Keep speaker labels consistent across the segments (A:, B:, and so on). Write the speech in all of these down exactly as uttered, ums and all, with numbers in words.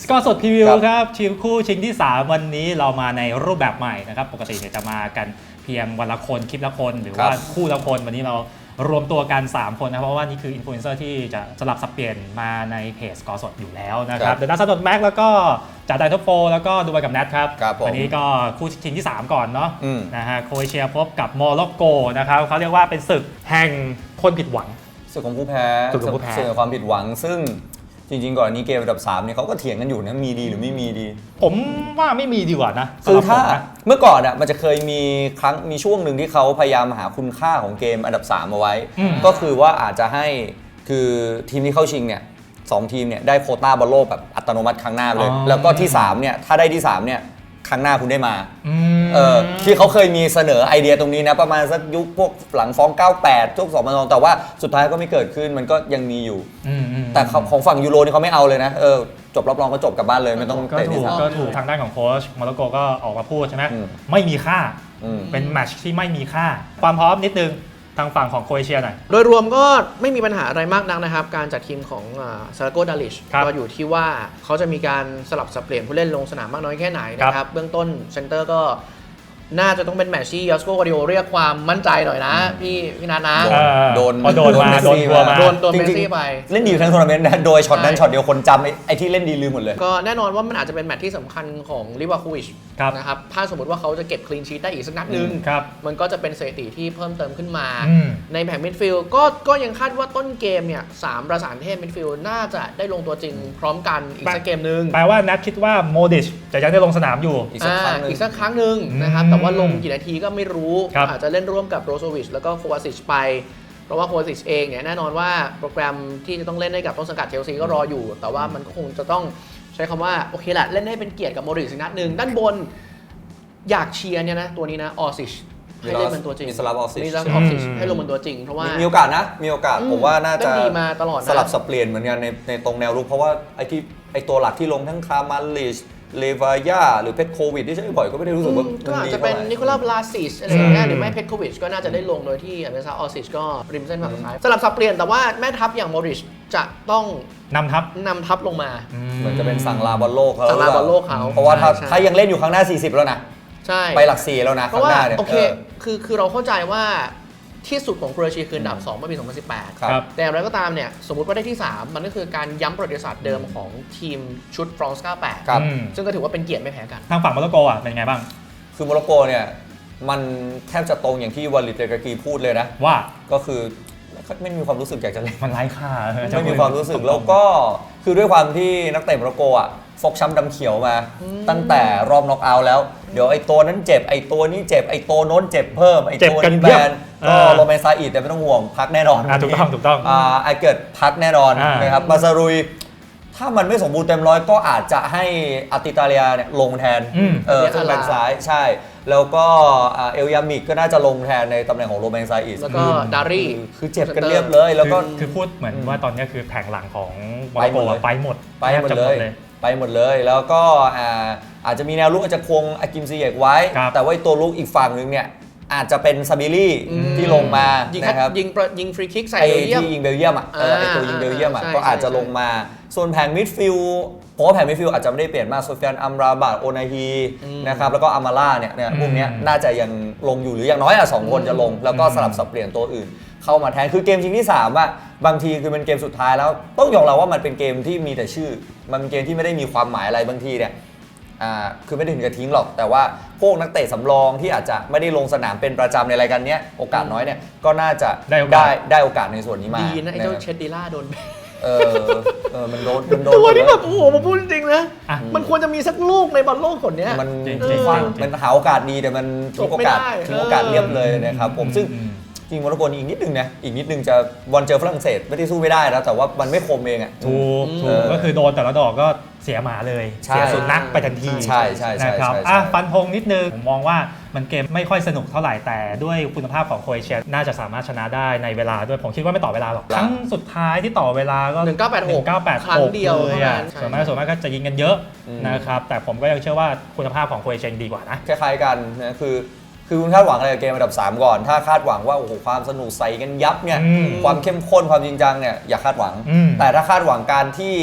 A: กอร์สดพรีวิวครับชิงคู่ชิงที่สามวันนี้เรามาในรูปแบบใหม่นะครับปกติเนี่ยจะมากันเพียงวันละคนคลิปละคนหรือว่าคู่ละคนวันนี้เรารวมตัวกันสามคนนะเพราะว่านี่คืออินฟลูเอนเซอร์ที่จะสลับสับเปลี่ยนมาในเพจสกอร์สดอยู่แล้วนะครับเดอะนัทซัดดแม็กแล้วก็จ่าไดท็อปโฟแล้วก็ดูไปกับแนทครับวันนี้ก็คู่ชิงที่สามก่อนเนาะนะฮะโครเอเชียพบกับโมร็อกโกนะครับเขาเรียกว่าเป็นศึกแห่งคนผิดหวัง
B: ศึกของผู้แพ้ศึกของความผิดหวังซึ่งจริงๆก่อนนี้เกมอันดับสามเนี่ยเขาก็เถียงกันอยู่นะมีดีหรือไม่มีดี
A: ผมว่าไม่มีดีกว่านะ
B: คือถ้าเมื่อก่อนอ่ะมันจะเคยมีครั้งมีช่วงหนึ่งที่เขาพยายามหาคุณค่าของเกมอันดับสามเอาไว้ก็คือว่าอาจจะให้คือทีมที่เข้าชิงเนี่ยสองทีมเนี่ยได้โควต้าบอลโลกแบบอัตโนมัติครั้งหน้าเลยแล้วก็ที่สามเนี่ยถ้าได้ที่สามเนี่ยครั้งหน้าคุณได้มาเออที่เขาเคยมีเสนอไอเดียตรงนี้นะประมาณสักยุคพวกหลังฟ้องเก้าแปดช่วงสองพันสองแต่ว่าสุดท้ายก็ไม่เกิดขึ้นมันก็ยังมีอยู่แต่ของฝั่งยูโรนี่เขาไม่เอาเลยนะเออจบรอบรองก็จบกลับบ้านเลยไม่ต้องเตะที่สาม
A: ก็ถูกทางด้านของโค้ชโมร็อกโกก็ออกมาพูดใช่ไหมไม่มีค่าเป็นแมตช์ที่ไม่มีค่าความพร้อมนิดนึงทางฝั่งของโครเอเชียหน่อย
C: โดยรวมก็ไม่มีปัญหาอะไรมากนักนะครับการจัดทีมของซาราโกดาลิชก็อยู่ที่ว่าเขาจะมีการสลับสับเปลี่ยนผู้เล่นลงสนามมากน้อยแค่ไหนนะครับเบื้องต้นเซนเตอร์ก็น่าจะต้องเป็นแมตช์ที่ยอสโกวาดิโอเรียกความมั่นใจหน่อยนะพี่พี่นัทนะ
B: โดน
A: โดนมาโดนตัวมา
C: โดนตัวเมสซี่ไป
B: เล่นดีทั้งทัวร์นาเมนต์โดยช็อตนั้นช็อตเดียวคนจำไอ้ที่เล่นดีลืมหมดเลย
C: ก็แน่นอนว่ามันอาจจะเป็นแมตช์ที่สำคัญของลิวาคูวิชนะครับถ้าสมมติว่าเขาจะเก็บคลีนชีทได้อีกสักนัดนึงมันก็จะเป็นสถิติที่เพิ่มเติมขึ้นมาในแผงมิดฟิลด์ก็ก็ยังคาดว่าต้นเกมเนี่ยสามประสานเทพมิดฟิลด์น่าจะได้ลงตัวจริงพร้อมกันอีกสักเกมนึง
A: แปลว่านัทคิดว่าโมดิชจะยังได้ลงสนามอยู่
C: อีกสักครั้งนึงอีกสักครั้งนึงนะครับแต่ว่าลงกี่นาทีก็ไม่รู้อาจจะเล่นร่วมกับโรโซวิชแล้วก็โควาซิชไปเพราะว่าโควาซิชเองเนี่ยแน่นอนว่าโปรแกรมที่จะต้องเล่นให้กับต้นสังกัดเชลซีก็รออยู่แต่ว่ามันก็คงจะต้องใช้คำว่าโอเคแหละเล่นให้เป็นเกียรติกับโมดริชนัดหนึ่งด้านบนอยากเชียร์เนี่ยนะตัวนี้นะออซิชให้เล่นเป็นตัวจริง
B: มีสลับออซิช
C: มีสลับออซิชให้ลงเป็นตัวจริงเพราะว่า
B: มีโอกาสนะมีโอกาสผมว่าน่าจะ
C: ดีมาตลอด
B: สลับสับเปลี่ยนเหมือนกันในในตรงแนวรุกเพราะว่าไอ้ที่ไอ้ตัวหลักที่ลงทั้งคาร์มาลิชเลวายาหรือเพชรโควิดที่ใช้บ่อยก็ไม่ได้รู้สึกว่า
C: ก็อาจจะเป็นนิโคลาบลาซิชอะไรอย่างเงี้ยหรือไม่เพชรโควิดก็น่าจะได้ลงโดยที่อเมซาออซิชก็ริมเส้นฝั่งซ้ายสลับสับเปลี่ยนแต่ว่าแม่ทัพอย่างโมริชจะต้อง
A: นำทัพ
C: นำทัพลงมา
B: เหมือนจะเป็นสั่งลาบอลโลกเขา
C: สั่งลาบอลโลกเขา
B: เพราะว่าถ้ายังเล่นอยู่ครั้งหน้าสี่สิบแล้วนะ
C: ใช่
B: ไปหลักสี่แล้วนะ
C: ครั้งหน้าเนี่ยโอเคคือคือเราเข้าใจว่าที่สุดของโครเอเชียคืออันดับสองเมื่อปีสองพันสิบแปดแต่อย่างไรก็ตามเนี่ยสมมุติว่าได้ที่สามมันก็คือการย้ำประวัติศาสตร์เดิมของทีมชุดฟรองซ์เก้าสิบแปดซึ่งก็ถือว่าเป็นเกียรติไม่แพ้กัน
A: ทางฝั่งโมร็อกโกอ่ะเป็นไงบ้าง
B: คือโมร็อกโกเนี่ยมันแทบจะตรงอย่างที่วาลิดเตกากีพูดเลยนะ
A: ว่า
B: ก็คือไม่มีความรู้สึกอยากจะเล่น
A: มันไร้ค่า
B: ไม่มีความรู้สึกแล้วก็คือด้วยความที่นักเตะโมร็อกโกอ่ะฟกช้ำดำเขียวมาตั้งแต่รอบน็อกเอาท์แล้วเดี๋ยวไอ้ตัวนั้นเจ็บไอ้ตัวนี้เจ็บไอ้ตัวโน้นเจ็บเพิ่มไอ้ตัวนี้แบนก็โรแมนซาอิดแต่ไม่ต้องห่วงพักแน่นอน
A: ถูกต้องถูกต้อง
B: อ่าไอเกิดพักแน่นอนนะครับมาซารุยถ้ามันไม่สมบูรณ์เต็มร้อยก็อาจจะให้อาติตาเลียเนี่ยลงแทนเออซึ่งแบ็คซ้ายใช่แล้วก็เอลยามิกก็น่าจะลงแทนในตำแหน่งของโรแมนซาอิด
C: แล้วก็ดารี่
B: คือเจ็บกันเรียบเลยแล้วก็
A: คือพูดเหมือนว่าตอนนี้คือแผงหลังของโมร็อกโกไปหมด
B: ไปหมดเลยไปหมดเลยแล้วก็อาจจะมีแนวลุกอาจจะควงอากิมซีเยกไว้แต่ว่าตัวลุกอีกฝั่งนึงเนี่ยอาจจะเป็นซาบิลี่ที่ลงมานะครับ
C: ยิงยิงฟรีคิกใส่
B: เบลเยียมที่ยิงเบลเยียมอ่ะไอตัวยิงเบลเยียมอ่ะก็อาจจะลงมาส่วนแผงมิดฟิลด์ผมว่าแผงมิดฟิลด์อาจจะไม่ได้เปลี่ยนมากโซเฟียนอัมราบาตโอนาฮีนะครับแล้วก็อามาล่าเนี่ยเนี่ยพวกนี้น่าจะยังลงอยู่หรืออย่างน้อยอ่ะสองคนจะลงแล้วก็สลับสับเปลี่ยนตัวอื่นเข้ามาแทนคือเกมชิงที่สามอ่ะบางทีคือเป็นเกมสุดท้ายแล้วต้องยอมรับว่ามันเป็นเกมที่มีแต่ชื่อมันเป็นเกมที่ไม่ได้มีความหมายอะไรบางทีเนี่ยอ่าคือไม่ได้ถึงกับทิ้งหรอกแต่ว่าพวกนักเตะสำรองที่อาจจะไม่ได้ลงสนามเป็นประจำในรายการนี้โอกาสน้อยเนี่ยก็น่าจะได้ได้โอกาสในส่วนนี้มา
C: ดีนะไอ้เจ้าเชดดิล่าโดน
B: เออเออมันโดนมันโดน
C: ตัวนี้แบบโอ้โหมาพูดจริงนะมันควรจะมีสักลูกในบอลโลกคนนี้
B: มันมันหาโอกาสดีแต่มันทิ้งโอกาสทิ้งโอกาสเรียบเลยนะครับผมซึ่งจริงโมร็อกโกอีกนิดนึงนะอีกนิดนึงจะบอลเจอฝรั่งเศสไม่ได้สู้ไม่ได้แล้วแต่ว่ามันไม่คมเองอ่ะ
A: ถูกถูกก็คือโดนแต่ละดอกก็เสียหมาเลยเสียสุนัขไปทันที
B: ใช่ใช่
A: นะครับอ่ะฟันธงนิดนึงผมมองว่ามันเกมไม่ค่อยสนุกเท่าไหร่แต่ด้วยคุณภาพของโครเอเชียน่าจะสามารถชนะได้ในเวลาด้วยผมคิดว่าไม่ต่อเวลาหรอกครั้งสุดท้ายที่ต่อเวลาก็
C: หนึ่งเก้าแปดหกครั้งเดียวเลยอ่ะ
A: ส่วนมากส่วนมากก็จะยิงกันเยอะนะครับแต่ผมก็ยังเชื่อว่าคุณภาพของโครเอเชียดีกว่านะ
B: คล้ายๆกันนะคือคือคุณคาดหวังอะไรกับเกมอันดับสามก่อนถ้าคาดหวังว่าโอ้โหความสนุกใส่กันยับเนี่ยความเข้มข้นความจริงจังเนี่ยอย่าคาดหวังแต่ถ้าคาดหวังการที่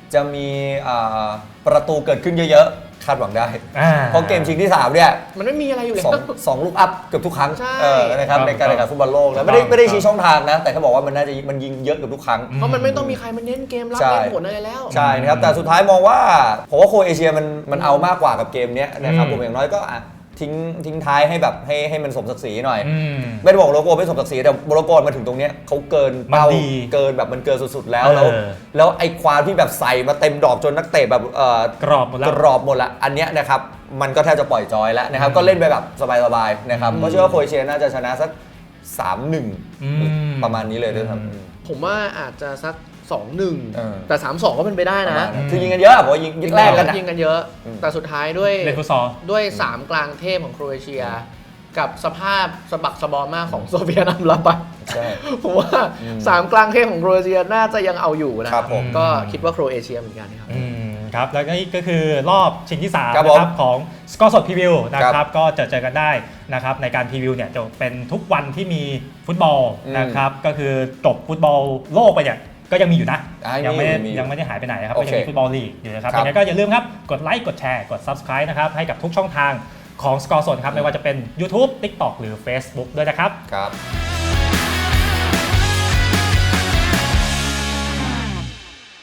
B: จะมีอ่าประตูเกิดขึ้นเยอะๆคาดหวังได้
A: อ่า
B: เพราะเกมชิงที่สามเนี่ย
C: มันไม่มีอะไรอยู่แล้
B: สอง
C: ว
B: สองลูกอัพเกือบทุกครั้ง
C: ใช่
B: เออนะครับ
A: ครับ
B: ในการแข่งขันฟุตบอลโลกแล้ว
A: ถูก
B: ไม่ได้
A: ต้อง
B: ไม่ได้ชี้ช่องทางนะ แต่เขาบอกว่ามันน่าจะมันยิงเยอะเกือบทุกครั้ง
C: เพราะมันไม่ต้องมีใครมาเน้นเกมรับ
B: ใช่
C: เน้นผลอะไรแล้ว
B: ใช่นะครับแต่สุดท้ายมองว่าผมว่าโครเอเชียมันมันเอามากกว่ากับเกมเนี้ยนะครับ
A: อืม
B: ผมอย่างน้อยก็อ่ะทิ้งทิ้งท้ายให้แบบให้ให้มันสมศักดิ์ศรีหน่อย
A: อืม
B: ไม่ได้บอกโลโก้ไม่สมศักดิ์ศรีแต่โลโก้มาถึงตรงเนี้ยเขาเกินเป้า
A: มันดี
B: เกินแบบมันเกินสุดๆแล้ว
A: เออ
B: แล้วแล้วไอ้ความที่แบบใส่มาเต็มดอกจนนักเตะแบบเอ่อก
A: รอบหมดแล้ว
B: กรอบหมดละอันเนี้ยนะครับมันก็แทบจะปล่อยจอยแล้วนะครับก็เล่นไปแบบสบายๆนะครับ
A: อืม
B: ก็เชื่อว่าโครเอเชียน่าจะชนะสัก สามหนึ่ง
A: อืม
B: ประมาณนี้เลยด้วยซ้ำ
A: อืม
C: ผมว่าอาจจะสัก สองหนึ่ง
B: เออ
C: แต่ สามสอง ก็เป็นไปได้
B: ประ
C: นะ
B: มาณนั้นคือยิงกันเยอะผมว่ายิงยิงแรกกันอะ
C: ยิงกันเยอะ
B: อืม
C: แต่สุดท้ายด้วย
A: เล่นฟุตซอล
C: ด้วย 3 กลางเทพของโครเอเชีย กับสภาพสะบักสะบอมมากของโซเวียตอัมราบัต
B: ใช่
C: ผมว่า
B: อืม
C: สามกลางเทพของโครเอเชียน่าจะยังเอาอยู่นะครับ
B: ผม
C: ก็คิดว่าโครเอเชียเหมือนกันครับ
A: อืมครับแล้วก็นี่ก็คือรอบชิงที่สาม
B: ครับ
A: นะ
B: ผม
A: ครับของสกอร์สดพรีวิวนะค
B: ครั
A: รับบ ก็จะเจอกันได้นะครับในการพรีวิวเนี่ยจะเป็นทุกวันที่มีฟุตบอล
B: อืม
A: นะครับก็คือจบฟุตบอลโลกไปเนี่ยก็ยังมีอยู่นะ
B: อ่า
A: ยังไม่ได้
B: มีอยู่
A: ยังไม่ได้หายไปไหนนะครับ
B: โอ
A: ก็
B: เค
A: ยังมีฟุตบอลลีกอยู่นะครับ
B: ครับ
A: ยังไงก็อย่าลืมครับกดไลค์กดแชร์กด Subscribe นะครับให้กับทุกช่องทางของสกอร์สดครับไม่ว่าจะเป็น YouTube TikTok หรือ Facebook ด้วยนะครับ
B: ครับ